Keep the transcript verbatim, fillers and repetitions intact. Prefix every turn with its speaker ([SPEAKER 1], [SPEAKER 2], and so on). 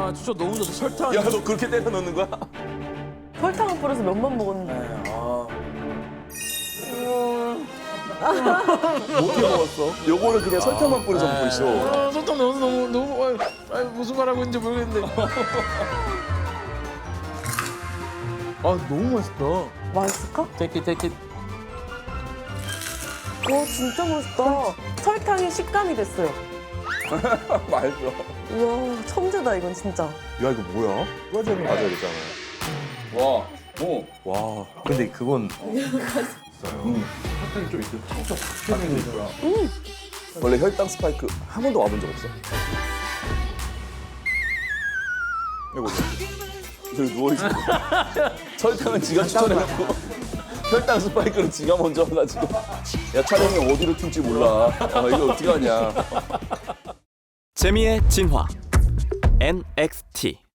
[SPEAKER 1] 와, 진짜 너무 좋다. 설탕.
[SPEAKER 2] 야, 너 그렇게 때려 넣는 거야?
[SPEAKER 3] 설탕을 뿌려서 면만 먹었는데.
[SPEAKER 1] 네, 아.
[SPEAKER 2] 어떻게 먹었어? 요거는 그냥 설탕만 뿌려서 먹고 있어.
[SPEAKER 1] 아, 설탕 너무 너무 너무 아유, 아유, 무슨 말 하고 있는지 모르겠는데. 아, 너무 맛있다.
[SPEAKER 3] 맛있을까?
[SPEAKER 1] take it, take it.
[SPEAKER 3] 와 진짜 맛있다. 설탕이 식감이 됐어요.
[SPEAKER 2] 맛있어.
[SPEAKER 3] 우와 천재다 이건 진짜.
[SPEAKER 2] 야, 이거 뭐야? 과자를 맞아야 되잖아.
[SPEAKER 4] 와, 오.
[SPEAKER 2] 와, 근데 그건
[SPEAKER 4] 사탕이 좀 있고 톡톡 튀어나오는 거야.
[SPEAKER 2] 원래 혈당 스파이크 한 번도 와본 적 없어? 이거 저기 누워있어. 설탕은 지가 추천해갖고 혈당 스파이크는 지가 먼저 와가지고 야, 촬영이 어디로 튈지 몰라. 어, 이거 어떻게 하냐.
[SPEAKER 5] 재미의 진화 엔엑스티